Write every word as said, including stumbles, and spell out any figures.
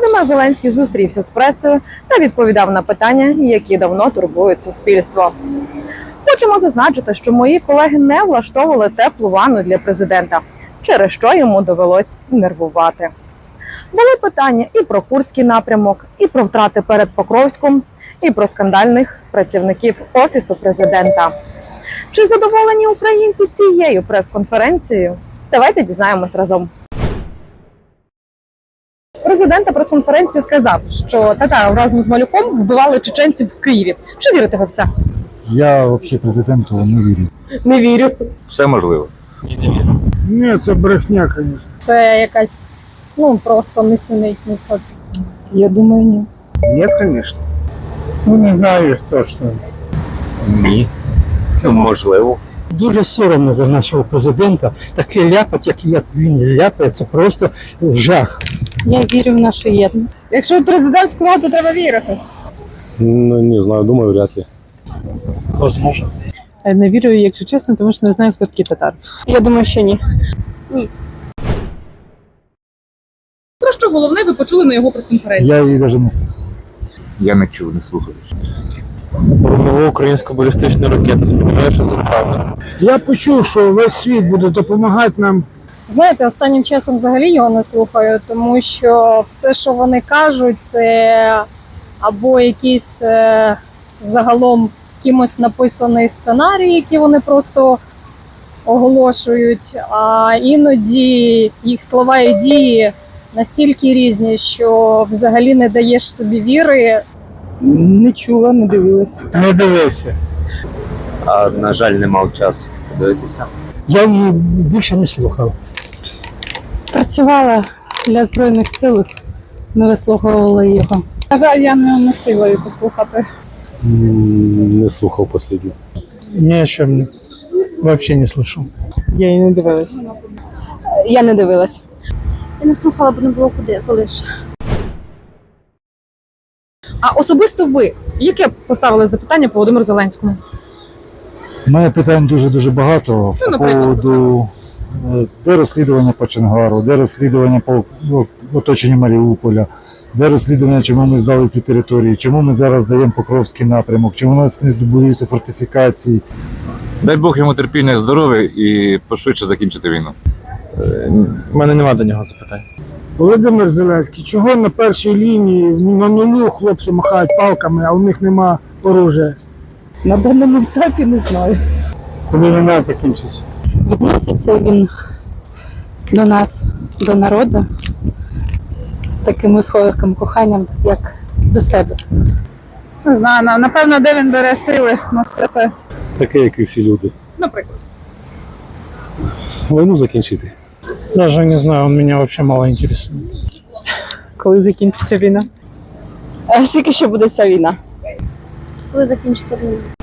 Володимир Зеленський зустрівся з пресою та відповідав на питання, які давно турбують суспільство. Хочемо зазначити, що мої колеги не влаштовували теплу ванну для президента, через що йому довелось нервувати. Були питання і про Курський напрямок, і про втрати перед Покровськом, і про скандальних працівників Офісу президента. Чи задоволені українці цією прес-конференцією? Давайте дізнаємось разом. Президент на прес-конференції сказав, що Татаров разом з Малюком вбивали чеченців в Києві. Чи вірите ви в це? Я взагалі президенту не вірю. Не вірю. Все можливо. Ні, це брехня, звісно. Це якась, ну, просто несенітниця. Я думаю, ні. Ні, звісно. Ну, не знаю точно. Ні. Можливо. Дуже соромно за нашого президента. Таке ляпать, як, як він ляпає, це просто жах. Я вірю в нашу єдність. Якщо президент сказав, то треба вірити. Ну, не знаю, думаю, вряд ли. Возможно. Не вірю, якщо чесно, тому що не знаю, хто такий Татаров. Я думаю, що ні. Ні. Про що головне ви почули на його прес-конференції? Я її навіть не слухав. Я не чув, не слухав. Про нову українську балістичну ракету. Сподіваюся, що це правда. Я почув, що весь світ буде допомагати нам. Знаєте, останнім часом взагалі його не слухаю, тому що все, що вони кажуть, це або якийсь е, загалом кимось написаний сценарій, який вони просто оголошують, а іноді їх слова і дії настільки різні, що взагалі не даєш собі віри. Не чула, не дивилась. Не дивися. А, на жаль, не мав часу подивитися. Я її більше не слухав. Працювала для Збройних сил, не вислуховувала його. На жаль, я не, не встигла її послухати. М, Не слухав останню. Ні, що взагалі не слышав. Я її не дивилась. Я не дивилась. Я не слухала, бо не було куди, коли ж. А особисто ви, яке поставили запитання по Володимиру Зеленському? У мене питань дуже-дуже багато Ну, по наприклад, поводу, е, де розслідування по Чонгару, де розслідування по ну, оточенню Маріуполя, де розслідування, чому ми здали ці території, чому ми зараз даємо Покровський напрямок, чому у нас не будуються фортифікації. Дай Бог йому терпіння і здоров'я і пошвидше закінчити війну. У мене немає до нього запитань. Володимир Зеленський, чого на першій лінії на нулю хлопці махають палками, а у них нема оружия? На даному етапі не знаю. Коли війна закінчиться? Відноситься він до нас, до народу, з таким сховиким коханням, як до себе. Не знаю, напевно, де він бере сили на все це. Таке, як і всі люди. Наприклад. Війну закінчити. Даже не знаю, он меня вообще мало интересует. Коли закінчиться війна? А скільки ще буде ця війна? Коли закінчиться війна?